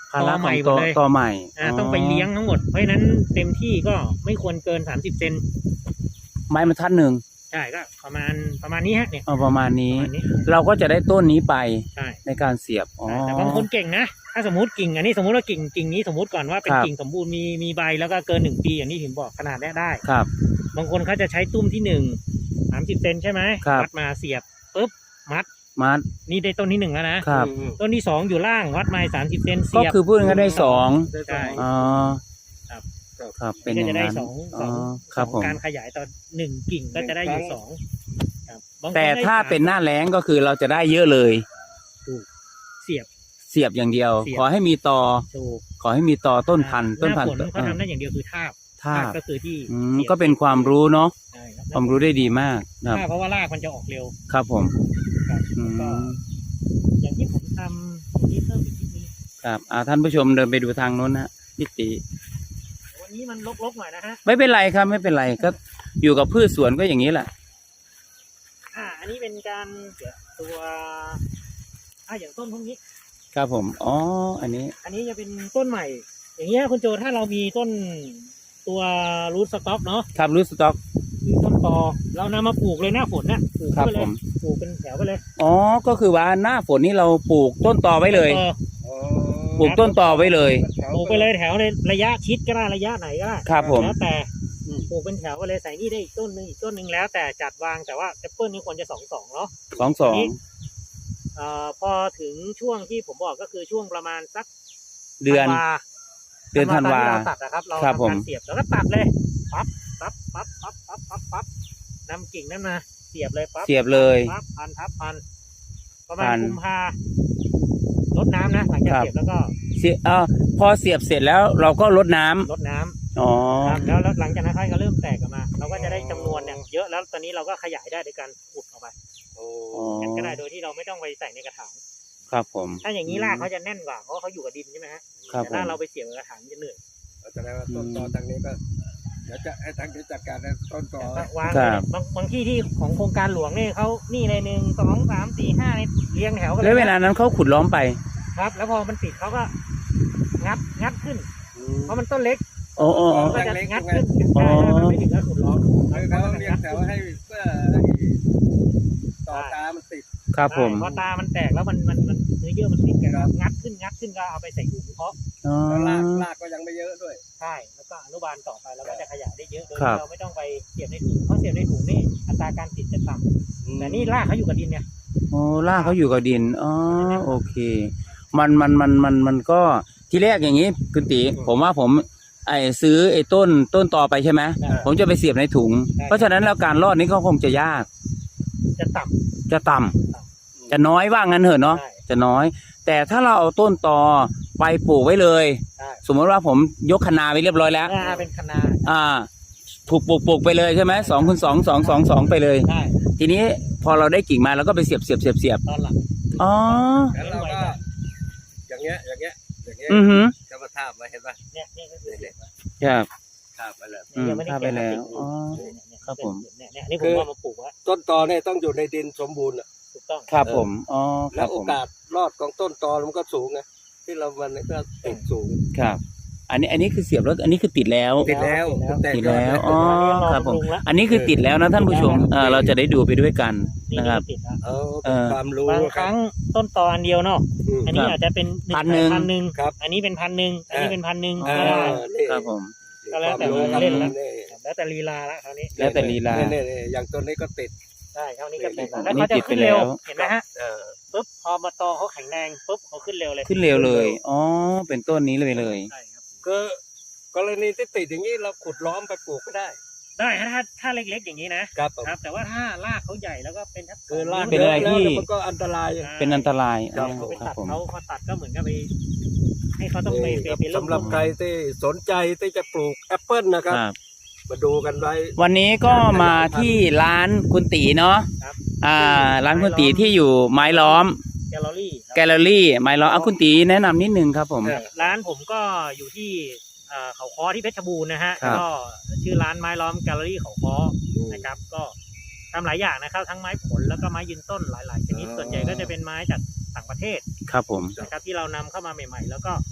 [SPEAKER 1] ภาระ
[SPEAKER 2] ตอ
[SPEAKER 1] ข
[SPEAKER 2] ให
[SPEAKER 1] อ
[SPEAKER 2] ม่
[SPEAKER 1] ง
[SPEAKER 2] หม
[SPEAKER 1] ต
[SPEAKER 2] ด
[SPEAKER 1] อ
[SPEAKER 2] เลย
[SPEAKER 1] ตอใหม่
[SPEAKER 2] อ่าต้องไปเลี้ยงทั้งหมดเพราะฉะนั้นเต็มที่ก็ไม่ควรเกินสามสิบเซน
[SPEAKER 1] ไม้บรรทัดหนึ่ง
[SPEAKER 2] ใช่ก็ประมาณประมาณนี้ฮะเนี่ย
[SPEAKER 1] เอาประมาณ
[SPEAKER 2] ป
[SPEAKER 1] นี้
[SPEAKER 2] ระมาณนี้
[SPEAKER 1] เราก็จะได้ต้นนี้ไป
[SPEAKER 2] ใช่
[SPEAKER 1] ในการเสียบอ๋อ
[SPEAKER 2] แต่บางคนเก่งนะถ้าสมมติกิ่งอันนี้สมมติว่ากิ่งกิ่งนี้สมมติก่อนว่าเป็น
[SPEAKER 1] ครับ
[SPEAKER 2] กิ่งสมบูรณ์มีมีใบแล้วก็เกินหนึ่งปีอย่างที่ผมบอกขนาดนี้ได้
[SPEAKER 1] ครับ
[SPEAKER 2] บางคนเขาจะใช้ตุ้มที่หนึ่งสามสิบเซนใช่ไหม
[SPEAKER 1] ครับ
[SPEAKER 2] วัดมาเสียบปุ๊บมัด
[SPEAKER 1] มัด
[SPEAKER 2] นี่ได้ต้นที่หนึ่งแล้วนะครับ
[SPEAKER 3] อืม
[SPEAKER 2] ต้นที่สองอยู่ล่างวัดมาสามสิบเซน
[SPEAKER 1] ก็
[SPEAKER 2] เสียบ
[SPEAKER 1] คือพูดง่ายๆได้สอง
[SPEAKER 2] ใช่
[SPEAKER 1] อ๋อ
[SPEAKER 2] ครับ
[SPEAKER 1] ครับเป็นอ
[SPEAKER 2] ก็
[SPEAKER 1] ย่าง
[SPEAKER 2] จะได้
[SPEAKER 1] นั้น
[SPEAKER 2] สองส
[SPEAKER 1] อ๋
[SPEAKER 2] อ
[SPEAKER 1] อง ครับ
[SPEAKER 2] ส
[SPEAKER 1] ผ
[SPEAKER 2] อง
[SPEAKER 1] ม
[SPEAKER 2] การขยายต่อหนึ่งกิ่งก็จะได้อยู่สองครับบงคน
[SPEAKER 1] แต่
[SPEAKER 2] ได้
[SPEAKER 1] ถ้า
[SPEAKER 2] สม
[SPEAKER 1] เป็นหน้าแล้งก็คือเราจะได้เยอะเลย
[SPEAKER 2] เสียบ
[SPEAKER 1] เสียบอย่างเดียว
[SPEAKER 2] เสียบ
[SPEAKER 1] ขอให้มีตอ
[SPEAKER 2] ถูก
[SPEAKER 1] ขอให้มีตอต้นพันธุ์ต้น
[SPEAKER 2] ห
[SPEAKER 1] พัน
[SPEAKER 2] น้า
[SPEAKER 1] ธุ์
[SPEAKER 2] ฝนเขาทำได้อย่างเดียวคือทาบ
[SPEAKER 1] ท่า
[SPEAKER 2] ทาบก็คือที่
[SPEAKER 1] อืม
[SPEAKER 2] สียบ
[SPEAKER 1] ก็เป็นความรู้เนาะ
[SPEAKER 2] ใช่ครับ
[SPEAKER 1] ความรู้ได้ดีมากครับ
[SPEAKER 2] ทาบเพราะว่ารากมันจะออกเร็ว
[SPEAKER 1] ครับผม
[SPEAKER 2] ครับ
[SPEAKER 1] อื
[SPEAKER 2] แล้วก็
[SPEAKER 1] ม
[SPEAKER 2] อย่างที่ผมทำนี่เพิ่มอีกนิดนึง
[SPEAKER 1] ครับอ่าท่านผู้ชมเดินไปดูทางโน้นนะพี่ติ
[SPEAKER 2] วันนี้มันรกๆหน่อยนะฮะ
[SPEAKER 1] ไม่เป็นไรครับไม่เป็นไรก็อยู่กับพืชสวนก็อย่างนี้แหละ
[SPEAKER 2] อ่า อันนี้เป็นการเดี๋ยวตัวอ่าอย่างต้นพวกนี้
[SPEAKER 1] ครับผมอ๋ออันนี้
[SPEAKER 2] อันนี้จะเป็นต้นใหม่ อย่างเงี้ยคุณโจถ้าเรามีต้นตัวรูทสต็อกเนาะ
[SPEAKER 1] ครับรูทสต็อก
[SPEAKER 2] คือต้นตอเรานำมาปลูกเลยหน้าฝนน่ะปลูก
[SPEAKER 1] ครับ
[SPEAKER 2] ไปเล
[SPEAKER 1] ผ
[SPEAKER 2] ย
[SPEAKER 1] ม
[SPEAKER 2] ปลูกเป็นแถวไปเลย
[SPEAKER 1] อ๋อก็คือว่าหน้าฝนนี่เราปลูกต้นตอไว้เลย
[SPEAKER 2] ออ
[SPEAKER 3] อ๋อ
[SPEAKER 1] ปลูกต้นตอไว้เลย
[SPEAKER 2] ปลูกไปเลยแถวในระยะชิดก็ได้ระยะไหนก็ได้
[SPEAKER 1] ครับผม
[SPEAKER 2] แล้วแต่
[SPEAKER 3] อืม
[SPEAKER 2] ปลูกเป็นแถวไปเลยใส่นี่ได้อีกต้นหนึ่งอีกต้นหนึ่งแล้วแต่จัดวางแต่ว่าแอปเปิลนี่ควรจะสองสองเนาะ
[SPEAKER 1] สองสอง
[SPEAKER 2] เอ่อพอถึงช่วงที่ผมบอกก็คือช่วงประมาณสัก
[SPEAKER 1] เดือน
[SPEAKER 2] ธัวา
[SPEAKER 1] เดือนธันวา
[SPEAKER 2] ที่เราตัดนะครับเรา
[SPEAKER 1] ครับ
[SPEAKER 2] ทำ
[SPEAKER 1] ผม
[SPEAKER 2] การเสียบแล้วก็ตัดเลยปั๊บปั๊บปั๊บปั๊บปั๊บปั๊บปั๊บนำกิ่งนั้นมาเสียบเลยปั๊บ
[SPEAKER 1] เสียบเลย
[SPEAKER 2] ปั๊บพันทับพันประมาณ
[SPEAKER 1] พัน
[SPEAKER 2] กุมภาลดน้ำนะหลังจาก
[SPEAKER 1] ครับ
[SPEAKER 2] เสียบแล้วก็
[SPEAKER 1] เสียเอ่อพอเสียบเสร็จแล้วเราก็ลดน้ำ
[SPEAKER 2] ลดน้ำ
[SPEAKER 1] อ๋อ
[SPEAKER 2] ครับแล้วแล้วหลังจากนั้นค่อยก็เริ่มแตกออกมา เราก็จะได้จำนวนเนี่ยเยอะแล้วตอนนี้เราก็ขยายได้โดยการขุดออกไป
[SPEAKER 3] โอ้
[SPEAKER 1] อ๋อ
[SPEAKER 2] งั้นก็ได้โดยที่เราไม่ต้องไปใส่ในกระถาง
[SPEAKER 1] ครับผม
[SPEAKER 2] ถ้าอย่างนี้รากเขาจะแน่นกว่าเพราะว่าเขาอยู่กับดินใช่ไหมฮะ
[SPEAKER 1] ครับ
[SPEAKER 2] แต่
[SPEAKER 1] ผ
[SPEAKER 2] ถ้าม เราไปเสียบในกระถางจะเหนื่อย
[SPEAKER 3] แสดงว่าต้นตอทางนี้ก็เดี๋ยวจะให้ทางนี้จัดการนะต้นตอ
[SPEAKER 2] แต่วาง
[SPEAKER 1] ครับ
[SPEAKER 2] บางบางที่ที่ของโครงการหลวงนี่เขานี่เลยหนึ่งสองสามสี่ห้านี่เรียงแถวกัน
[SPEAKER 1] แล้วเว
[SPEAKER 2] นะ
[SPEAKER 1] ลานั้นเขาขุดล้อมไป
[SPEAKER 2] ครับ แล้วพอมันติดเขาก็งัดงัดขึ้น เพราะมันต้นเล็ก
[SPEAKER 1] อ๋ออ๋ออ๋อ
[SPEAKER 2] ก็จะงัดขึ้น
[SPEAKER 1] อ๋อ
[SPEAKER 2] ใช่มันไม่ถึงกับขุดล้อม
[SPEAKER 3] คือเขาเรียงแถวให้เพื่อให้ต่อตามันติด
[SPEAKER 1] ครับผม
[SPEAKER 2] ใช่พอตามันแตกแล้วมันมันมันเนื้อเยื่อมันติดกัน
[SPEAKER 3] ครับ
[SPEAKER 2] งัดขึ้นงัดขึ้นก็เอาไปใส่ถุงเพาะ
[SPEAKER 1] อ๋อ
[SPEAKER 3] แล้วรากรากก็ยังไม่เยอะด้วย
[SPEAKER 2] ใช่แล้วก็อนุบาลต่อไปแล้วก็จะขยายได้เยอะโดย
[SPEAKER 1] ครั
[SPEAKER 2] ที่
[SPEAKER 1] บ
[SPEAKER 2] เราไม่ต้องไปเสียบในถุงเพราะเสียบในถุงนี่อัตราการติดจะต่ำแต่นี่รากเขาอยู่กับดินเนี่ย
[SPEAKER 1] อ๋อรากเขาอยู่กับดินอ๋อโอเค มันมันมันมันมันก็ทีแรกอย่างนี้คุณตีผมว่าผมไอ้ซื้อไอ้ต้นต้นตอไปใช่ไหม
[SPEAKER 2] ใช่
[SPEAKER 1] ผมจะไปเสียบในถุง
[SPEAKER 2] ใช่
[SPEAKER 1] เพราะฉะนั้นแล้วการรอดนี้ก็คงจะยาก
[SPEAKER 2] จะต่ำ
[SPEAKER 1] จะต่ำจะน้อยว่างั้นเถอะเนาะ
[SPEAKER 2] ใช่
[SPEAKER 1] จะน้อย แต่ถ้าเราเอาต้นตอไปปลูกไว้เลย
[SPEAKER 2] ใช่
[SPEAKER 1] สมมติว่าผมยกคะนาไปเรียบร้อยแล้ว
[SPEAKER 2] อ่าเป็นคณะ
[SPEAKER 1] อ่าปลูกปลูกปลูกไปเลยใช่ไหมสองคูณสองสองสองสองไปเลย
[SPEAKER 2] ใช่
[SPEAKER 1] ทีนี้พอเราได้กิ่งมาเราก็ไปเสียบเสียบเสียบเสียบ
[SPEAKER 2] ตอนหลัง
[SPEAKER 1] อ๋อ
[SPEAKER 3] แล้วเราก็อย่างเงี้ยอย่างเงี้ยอย่างเงี้ย
[SPEAKER 1] อือหือ
[SPEAKER 3] จะมาทาบมาเห็นป่ะ
[SPEAKER 2] เนี่ยเนี่ยก็คือเนี่ย
[SPEAKER 1] ครับ
[SPEAKER 3] ทาบไปเลย
[SPEAKER 1] อืม
[SPEAKER 2] ยังไม่ได้
[SPEAKER 1] ทาบไปแล้วอ๋อ
[SPEAKER 2] เนี่ย
[SPEAKER 1] ครับผม
[SPEAKER 2] เนี่ยเนี่ยนี่ผมเอามาปลูกไว้
[SPEAKER 3] ต้นตอเนี่ยต้องอยู่ในดินสมบูรณ์อะ
[SPEAKER 2] ถูกต้อง
[SPEAKER 1] ครับผมอ๋อค
[SPEAKER 3] แล้
[SPEAKER 1] รั
[SPEAKER 3] ว
[SPEAKER 1] บ
[SPEAKER 3] โอ
[SPEAKER 1] ผม
[SPEAKER 3] กาสรอดของต้นตอมันก็สูงไงที่เรามันก็ติดสูง
[SPEAKER 1] ครับ อันนี้อันนี้คือเสียบแล้วอันนี้คือติดแล้ว
[SPEAKER 3] ติดแล้วแต่
[SPEAKER 1] ติด
[SPEAKER 3] ยอ
[SPEAKER 1] แล้ว
[SPEAKER 3] ด
[SPEAKER 1] อ๋อครับผมอันนี้คือติดแล้วนะท่านผู้ชมเออเราจะได้ดูไปด้วยกัน
[SPEAKER 2] นี่
[SPEAKER 1] นะครับ
[SPEAKER 2] ติดแล้ว
[SPEAKER 3] เออเป็นความรู้
[SPEAKER 2] บางครั้งต้นตออันเดียวเนาะ
[SPEAKER 3] อืม
[SPEAKER 2] อันนี้
[SPEAKER 1] ครับ
[SPEAKER 2] อาจจะเป็น
[SPEAKER 1] พันหนึ่ง
[SPEAKER 2] พันหนึ่ง
[SPEAKER 3] ครับ
[SPEAKER 2] อันนี้เป็นพันหนึ่งอันนี้เป็นพันหนึ่ง
[SPEAKER 1] อ่า
[SPEAKER 2] ก็ได้
[SPEAKER 3] นี่
[SPEAKER 1] ครับผม
[SPEAKER 2] ก็แล้วแต่
[SPEAKER 3] ความรู้ครับ
[SPEAKER 2] เล่นแล้ว
[SPEAKER 3] นี่
[SPEAKER 2] แล้วแต่ลีลาละคราวนี้
[SPEAKER 1] แล้วแต่ลีลา
[SPEAKER 3] เนี่ยเนี่ยอย่างต้นนี้ก็ติด
[SPEAKER 2] ใช่คราวนี้ก็ติด
[SPEAKER 1] อั
[SPEAKER 2] แล้ว
[SPEAKER 1] นนี้
[SPEAKER 2] เขาจะ
[SPEAKER 1] ติดไป
[SPEAKER 2] ขึ้นเร็ว
[SPEAKER 1] แล้ว
[SPEAKER 2] เห็นไหมฮะ
[SPEAKER 3] เออ
[SPEAKER 2] ปุ๊บพอมาตอเขาแข็งแรงปุ๊บเขาขึ้นเร็วเลย
[SPEAKER 1] ขึ้นเร็วเลยอ๋อเป็นต้นนี้เลยเลย
[SPEAKER 2] ใช่ครับ
[SPEAKER 3] ก็กรณีที่ติดอย่างนี้เราขุดล้อมไปปลูกก็ได้
[SPEAKER 2] ได้ฮะถ้าถ้าเล็กๆอย่างนี้นะครับ
[SPEAKER 3] ผม
[SPEAKER 2] ครับ แต่ว่าถ้ารากเขาใหญ่แล้วก็เป็นทับ
[SPEAKER 3] คือราก
[SPEAKER 1] เป็นอะไร
[SPEAKER 3] ยแล้ว
[SPEAKER 1] ที่
[SPEAKER 3] แล้วมันก็อันตราย
[SPEAKER 1] เป็นอันตราย
[SPEAKER 3] ครั
[SPEAKER 1] อ๋
[SPEAKER 3] บ
[SPEAKER 1] อ
[SPEAKER 2] ไป
[SPEAKER 1] ครั
[SPEAKER 2] ตั
[SPEAKER 1] บ
[SPEAKER 2] ด
[SPEAKER 1] ผม
[SPEAKER 2] เขาพอตัดก็เหมือนกับไปให้เขาต้องไป
[SPEAKER 3] นี่
[SPEAKER 2] ไป
[SPEAKER 3] ครับ
[SPEAKER 2] ไปเริ่ม
[SPEAKER 3] สำหรับใครที่สนใจที่จะปลูกแอปเปิลนะครับ
[SPEAKER 1] ครับ
[SPEAKER 3] มาดูกันไว้
[SPEAKER 1] วันนี้ก็มาที่ร้านคุณตีเนาะ
[SPEAKER 2] ครับ
[SPEAKER 1] อ่า ร้านคุณตีที่อยู่ไม้ล้อม
[SPEAKER 2] แกลเลอรี่ครับ
[SPEAKER 1] แกลเลอรี่ไม้ล้อมเอาคุณตีแนะนำนิดนึงครับผม
[SPEAKER 2] ครับร้านผมก็อยู่ที่เอ่อเขาค้อที่เพชรบูรณ์นะฮะ
[SPEAKER 1] ครับ
[SPEAKER 2] ก็ชื่อร้านไม้ล้อมแกลเลอรี่เขาค้อนะครับ ก็ทำหลายอย่างนะครับ ทั้งไม้ผลแล้วก็ไม้ยืนต้นหลาย ๆ ชนิด
[SPEAKER 3] อ๋อ
[SPEAKER 2] ส่วนใหญ่ก็จะเป็นไม้จากต่างประเทศ
[SPEAKER 1] ครับผม
[SPEAKER 2] นะครับที่เรานำเข้ามาใหม่ ๆ แล้วก็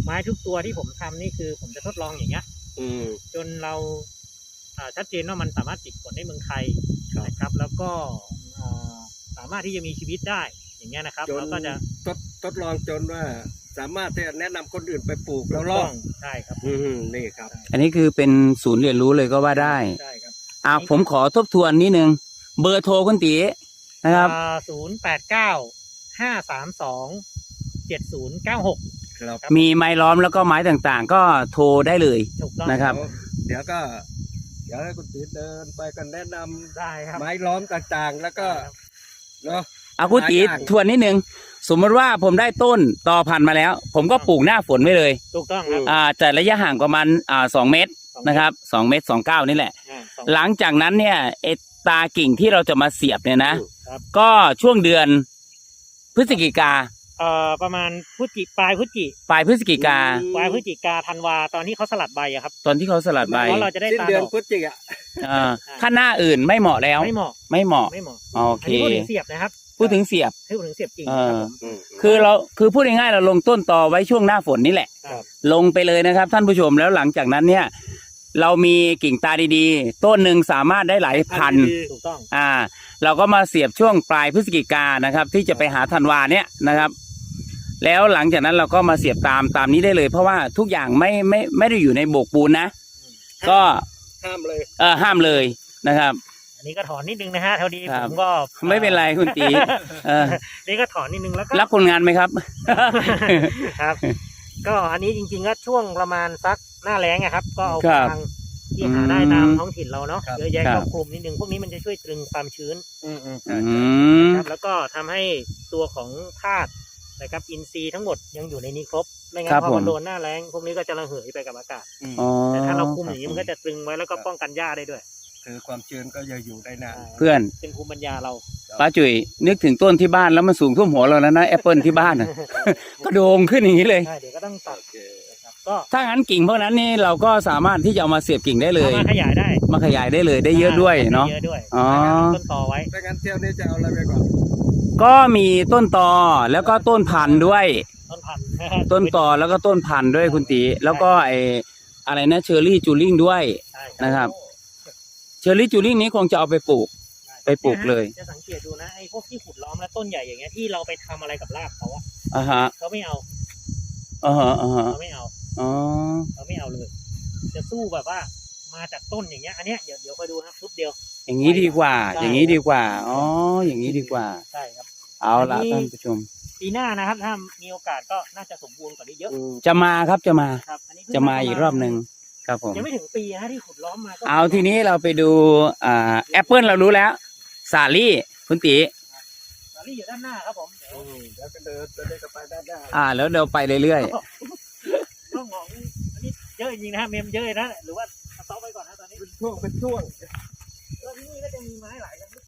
[SPEAKER 2] ไม้ทุกตัวที่ผมทำนี่คือผมจะทดลองอย่างเงี้ย
[SPEAKER 4] อืม
[SPEAKER 2] จนเราอ่าชัดเจนว่ามันสามารถติดผลในเมืองไทย
[SPEAKER 4] ครับ
[SPEAKER 2] นะครับ แล้วก็อ่าสามารถที่จะมีชีวิตได้อย่างเงี้ยนะครับ
[SPEAKER 4] จน
[SPEAKER 2] แล้วก็จะ
[SPEAKER 4] ทดทดลองจนว่า สามารถที่จะแนะนำคนอื่นไปปลูกแล้วร
[SPEAKER 2] ต้
[SPEAKER 4] อ
[SPEAKER 2] อ
[SPEAKER 4] ด
[SPEAKER 2] งใช่ครับ
[SPEAKER 4] อืมนี่ครับ
[SPEAKER 1] อันนี้คือเป็นศูนย์เรียนรู้เลยก็ว่าได้
[SPEAKER 2] ใช่ครับ
[SPEAKER 1] อ่าผมขอทบทวนนิดนึงเบอร์โทรคุณตีนะครับ
[SPEAKER 2] ศูนย์แปดเก้าห้าสามสองเจ็ดศูนย์เก้าหก
[SPEAKER 4] ครับ
[SPEAKER 1] มีไม้ล้อมแล้วก็ไม้ต่างๆ ก็โทรได้เลย
[SPEAKER 2] ถูกต้อง
[SPEAKER 1] นะครับ
[SPEAKER 4] เดี๋ยวก็ เดี๋ยวให้คุณตีเดินไปกันแนะนำ
[SPEAKER 2] ได้ครับ
[SPEAKER 4] ไม้ล้อมต่างๆ แล้วก็เนาะ
[SPEAKER 1] เอาคุณตี
[SPEAKER 4] หลายอย่าง
[SPEAKER 1] ทวนนิดนึงสมมติว่าผมได้ต้นตอพันธุ์มาแล้ว ผมก็ปลูกหน้าฝนไว้เลย
[SPEAKER 2] ถูกต้องครับ
[SPEAKER 1] อ่าแต่ระยะห่างประมาณอ่าสองเมตรนะครับสองเมตรสองเก้านี่แหละ
[SPEAKER 2] อ่าสอง
[SPEAKER 1] หลังจากนั้นเนี่ยไอตากิ่งที่เราจะมาเสียบเนี่ยนะ
[SPEAKER 2] ครับ
[SPEAKER 1] ก็ช่วงเดือนพฤศจิกา
[SPEAKER 2] เอ่อประมาณพฤศจิปลายพฤศจิ
[SPEAKER 1] ปลายพฤศจิกา
[SPEAKER 2] ปลายพฤศจิกาธันวาตอนที่เขาสลัดใบอะครับ
[SPEAKER 1] ตอนที่เขาสลัดใบ
[SPEAKER 2] เพราะเราจะได้
[SPEAKER 4] สิ้น
[SPEAKER 2] ตา
[SPEAKER 4] เดือ
[SPEAKER 2] ด
[SPEAKER 4] น
[SPEAKER 2] อก
[SPEAKER 4] พฤศจิกา
[SPEAKER 1] อ่าถ้าหน้าอื่นไม่เหมาะแล้ว
[SPEAKER 2] ไม่เหมาะ
[SPEAKER 1] ไม่เหมาะ
[SPEAKER 2] ไม่เหมาะ
[SPEAKER 1] โอเค
[SPEAKER 2] อันนี้พูดถึงเสียบนะครับ
[SPEAKER 1] พูดถึงเสียบ
[SPEAKER 2] พูดถึงเสียบกิ่ง
[SPEAKER 1] เอ
[SPEAKER 2] ครับ
[SPEAKER 1] อ
[SPEAKER 2] ผม
[SPEAKER 4] อืม
[SPEAKER 1] คือเราคือพูดง่ายๆเราลงต้นตอไว้ช่วงหน้าฝนนี่แหละ
[SPEAKER 2] ครับ
[SPEAKER 1] ลงไปเลยนะครับ ท่านผู้ชมแล้วหลังจากนั้นเนี่ย เรามีกิ่งตาดีๆ ต้นหนึ่งสามารถได้หลายพัน
[SPEAKER 2] ถูกต้อง
[SPEAKER 1] อ่า เราก็มาเสียบช่วงปลายพฤศจิกานะครับ ที่จะไปหาธันวาเนี่ยนะครับ แล้วหลังจากนั้นเราก็มาเสียบตามตามนี้ได้เลย เพราะว่าทุกอย่างไม่ไม่ไม่ได้อยู่ในโบกปูนนะ ก็
[SPEAKER 4] ห้ามเลย
[SPEAKER 1] เออห้ามเลยนะครับ
[SPEAKER 2] อันนี้ก็ถอนนิดนึงนะฮะเท่านี้
[SPEAKER 1] ครั
[SPEAKER 2] ผ
[SPEAKER 1] บ
[SPEAKER 2] มก็
[SPEAKER 1] ไม่เป็นไรคุณตีเออ
[SPEAKER 2] นี่ก็ถอนนิดนึงแล้วก็
[SPEAKER 1] รับคนงานไหมครับ
[SPEAKER 2] ครับ ก็อันนี้จริงๆก็ช่วงประมาณสักหน้าแล้งอะครับ ก็เอา
[SPEAKER 1] ครับ
[SPEAKER 2] ฟางที่หาได้ตามท้องถิ่นเราเนาะ
[SPEAKER 4] ครับ
[SPEAKER 2] เยอะแยะ
[SPEAKER 1] ครั
[SPEAKER 2] ค
[SPEAKER 1] บ
[SPEAKER 2] รอบคลุมนิดนึงพวกนี้มันจะช่วยตรึงความชื้น
[SPEAKER 4] อืมอืม
[SPEAKER 1] อืม
[SPEAKER 2] ครับแล้วก็ทำให้ตัวของธาตุนะครับอินทรีย์ทั้งหมดยังอยู่ในนี้ครบไม่งั้
[SPEAKER 1] ครั
[SPEAKER 2] น
[SPEAKER 1] บ
[SPEAKER 2] พอ
[SPEAKER 1] ผม
[SPEAKER 2] มันโดนหน้าแล้งพวกนี้ก็จะระเหยไปกับอากาศ
[SPEAKER 4] อืม
[SPEAKER 1] อ๋อ
[SPEAKER 2] แต่ถ้าเราคุมอย่างนี้มันก็จะตรึงไว้แล้วก็ป้องกันหญ้าได้ด้วย
[SPEAKER 4] คือความชื้นก็จะอยู่ได้นาน
[SPEAKER 1] เพื่อน
[SPEAKER 2] เป็นภูมิปัญญาเรา
[SPEAKER 1] ป้าจุ๋ยนึกถึงต้นที่บ้านแล้วมันสูงท่วมหัวเราแล้วนะแอปเปิลที่บ้านน่ะ ก็โด่งขึ้นอย่างนี้เลย
[SPEAKER 2] ใช่เดี๋ยวก็ต้องตัด
[SPEAKER 4] โอเค
[SPEAKER 2] นะครับก็
[SPEAKER 1] ถ้างั้นกิ่งพวกนั้นนี่เราก็สามารถที่จะเอามาเสียบกิ่งได้เลย
[SPEAKER 2] เอามาขยายได้
[SPEAKER 1] มาขยายได้เลยได้เยอะด้วยเนาะ
[SPEAKER 2] เยอะด้วย
[SPEAKER 1] อ๋อ
[SPEAKER 2] ต้นตอไว้
[SPEAKER 4] ถ้างั้นเที่ยวนี้จะเอาอะไรไปก่อน
[SPEAKER 1] ก็มีต้นตอแล้วก็ต้นพันธุ์ด้วย
[SPEAKER 2] ต้นพันธุ์
[SPEAKER 1] ต้นตอแล้วก็ต้นพันธุ์ด้วยคุณตีแล้วก็ไออะไรนะเชอร์รี่จูริงด้วย
[SPEAKER 2] ใช่
[SPEAKER 1] นะครับ เชอร์รี่จูริงนี้คงจะเอาไปปลูก ไปปลูกเลย
[SPEAKER 2] จะสังเกตดูนะไอ้พวกที่ขุดล้อมและต้นใหญ่อย่างเงี้ยที่เราไปทำอะไรกับรากเขาอะ
[SPEAKER 1] อ่าฮะ
[SPEAKER 2] เขาไม่เอา
[SPEAKER 1] อ่าฮะอ่าฮะ
[SPEAKER 2] เขาไม่เอา
[SPEAKER 1] อ๋อ
[SPEAKER 2] เขาไม่เอาเลย จะสู้แบบว่ามาจากต้นอย่างเงี้ย อันเนี้ยเดี๋ยวเดี๋ยวคอยดูนะทุบเดียว
[SPEAKER 1] อย่างนี้ดีกว่า
[SPEAKER 2] ใช่
[SPEAKER 1] อย่างนี้ดีกว่า อ๋อ อย่างนี้ดีกว่า
[SPEAKER 2] ใช่ครับ
[SPEAKER 1] เอาละ
[SPEAKER 2] อันนี้
[SPEAKER 1] ท่านผู้ชม
[SPEAKER 2] ปีหน้านะครับ ถ้ามีโอกาสก็น่าจะสมบูรณ์กว่านี้เยอะ
[SPEAKER 4] อืม
[SPEAKER 1] จะมาครับจะมา
[SPEAKER 2] ครับอันนี้เพิ่ง
[SPEAKER 1] จะมาอีกรอบหนึ่งครับผม
[SPEAKER 2] ยังไม่ถึงปีนะที่ขุดล้อมมาก็
[SPEAKER 1] เอาทีนี้เราไปดูอ่าแอปเปิลเรารู้แล้ว สาลี่คุณตี
[SPEAKER 2] สาลี่อยู่ด้านหน้าครับผมเดี๋ยว
[SPEAKER 4] อืมแล้วก็เดินจะได้กลับไปด้านหน้า
[SPEAKER 1] อ่า แล้วเราไปเรื่อย
[SPEAKER 2] ต้องมองอันนี้เยอะจริงๆนะฮะเมมเยอะนะหรือว่าสต็อปไว้ก่อนนะตอนนี้
[SPEAKER 4] เป็นช่วงเป็นช่วง
[SPEAKER 2] แล้วที่นี่ก็จะมีไม้หลายชนิด